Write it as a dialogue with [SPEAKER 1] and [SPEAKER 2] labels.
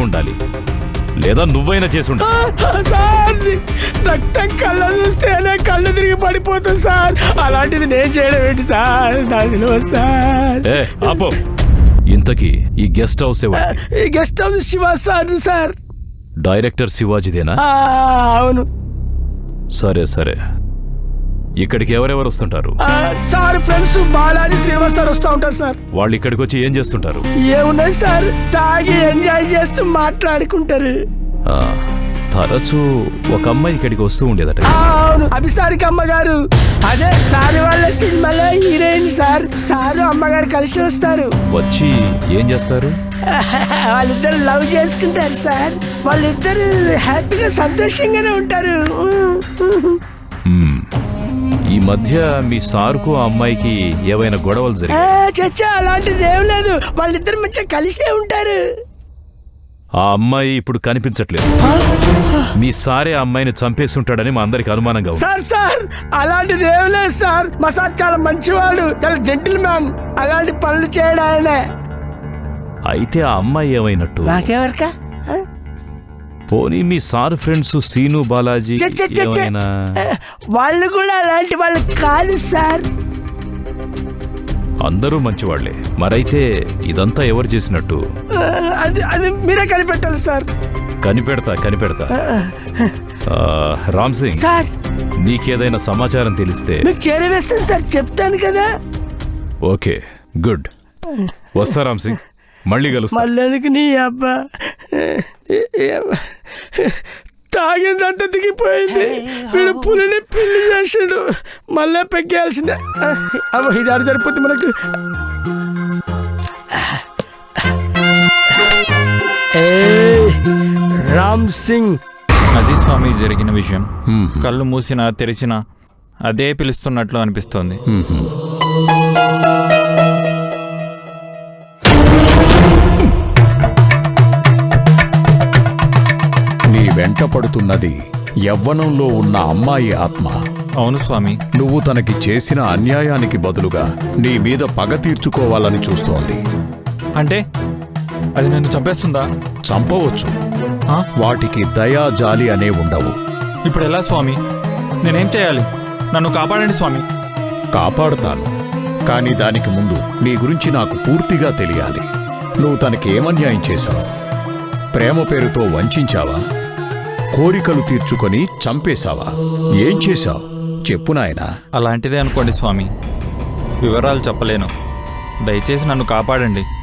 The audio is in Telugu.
[SPEAKER 1] ఉండాలి, లేదా నువ్వైనా చేసి ఉండాలి.
[SPEAKER 2] సార్ రక్తం కళ్ళ చూస్తేనే కళ్ళు తిరిగి పడిపోతుంది సార్. అలాంటిది నేను చేయడం ఏంటి సార్? నాకు తెలియదు సార్.
[SPEAKER 1] ఆపో. ఇంతకీ ఈ గెస్ట్ హౌస్ ఎవరు?
[SPEAKER 2] ఈ guest house Shiva sir. Sir
[SPEAKER 1] director శివాజీదేనా?
[SPEAKER 2] అవును.
[SPEAKER 1] సరే సరే, ఇక్కడికి ఎవరెవరు వస్తుంటారు?
[SPEAKER 2] Sir friends Balaji Srinivas sir వస్తూ ఉంటారు సార్.
[SPEAKER 1] వాళ్ళు ఇక్కడికి వచ్చి ఏం చేస్తుంటారు?
[SPEAKER 2] ఏమున్నాయి సార్, తాగి ఎంజాయ్ చేస్తూ మాట్లాడుకుంటారు.
[SPEAKER 1] తరచూ ఒక అమ్మాయి ఇక్కడికి వస్తూ ఉండేదట.
[SPEAKER 2] అవును, అభిసారిక అమ్మగారు. అదే సార్ వాళ్ళ సినిమాలో హీరోయిన్ సార్. సారు అమ్మగారు కలిసి వస్తారు.
[SPEAKER 1] వచ్చి ఏం చేస్తారు?
[SPEAKER 2] వాళ్ళిద్దరు లవ్ చేసుకుంటారు సార్. వాళ్ళిద్దరు హ్యాపీగా సంతోషంగానే ఉంటారు.
[SPEAKER 1] ఈ మధ్య మీ సార్కు ఆ అమ్మాయికి ఏవైనా గొడవలు జరిగాయి?
[SPEAKER 2] చచ్చా అలాంటిది ఏం లేదు. వాళ్ళిద్దరు మంచిగా కలిసే ఉంటారు.
[SPEAKER 1] ఆ అమ్మాయి ఇప్పుడు కనిపించట్లేదు. మీ సారే ఆ అమ్మాయిని చంపేసి ఉంటాడని మా అందరికి అనుమానంగా ఉంది.
[SPEAKER 2] సార్ సార్ అలాంటిది ఏం లేదు సార్. మా సార్ చాలా మంచివాడు, చాలా జెంటిల్ మ్యాన్. అలాంటి పనులు చేయడం ఆయనే.
[SPEAKER 1] అయితే ఆ అమ్మాయి ఏమైనట్టు?
[SPEAKER 2] నాకెవరికా?
[SPEAKER 1] పోనీ మీ సార్ ఫ్రెండ్స్ సీను, బాలాజీ ఏమైనా?
[SPEAKER 2] వాళ్ళు కూడా అలాంటి వాళ్ళు కాదు సార్.
[SPEAKER 1] అందరూ మంచివాళ్లే. మరైతే ఇదంతా ఎవరు చేసినట్టు?
[SPEAKER 2] అది మీరే కనిపెట్టాలి సార్.
[SPEAKER 1] కనిపెడతా. రామ్ సింగ్
[SPEAKER 2] సార్,
[SPEAKER 1] నీకేదైనా సమాచారం తెలిస్తే
[SPEAKER 2] మీకు చేరవేస్తాను సార్, చెప్తాను కదా.
[SPEAKER 1] Okay, good. వస్తా రామ్ సింగ్, మళ్ళీ కలుస్తా.
[SPEAKER 2] మళ్ళీ నీ అబ్బా తాగిందంతా దిగిపోయింది. వీడు పులిని పిల్లి చేసాడు. మళ్ళీ పెక్కేయాల్సిందే. అబ్బా ఇది ఆడ సరిపోతుంది మనకు. రామ్ సింగ్.
[SPEAKER 3] అది స్వామి జరిగిన విషయం. కళ్ళు మూసినా తెరిచినా అదే పిలుస్తున్నట్లు అనిపిస్తోంది.
[SPEAKER 4] నీ వెంట పడుతున్నది యవ్వనంలో ఉన్న అమ్మాయి ఆత్మ.
[SPEAKER 3] అవును స్వామి.
[SPEAKER 4] నువ్వు తనకి చేసిన అన్యాయానికి బదులుగా నీ మీద పగ తీర్చుకోవాలని చూస్తోంది.
[SPEAKER 3] అంటే అది నన్ను చంపేస్తుందా?
[SPEAKER 4] చంపవచ్చు. వాటికి దయా జాలి అనే ఉండవు.
[SPEAKER 3] ఇప్పుడు ఎలా స్వామి? నేనేం చేయాలి? నన్ను కాపాడండి స్వామి.
[SPEAKER 4] కాపాడుతాను, కానీ దానికి ముందు నీ గురించి నాకు పూర్తిగా తెలియాలి. నువ్వు తనకి ఏమన్యాయం చేశావు? ప్రేమ పేరుతో వంచావా? కోరికలు తీర్చుకొని చంపేశావా? ఏం చేశావు చెప్పు నాయనా.
[SPEAKER 3] అలాంటిదే అనుకోండి స్వామి. వివరాలు చెప్పలేను. దయచేసి నన్ను కాపాడండి.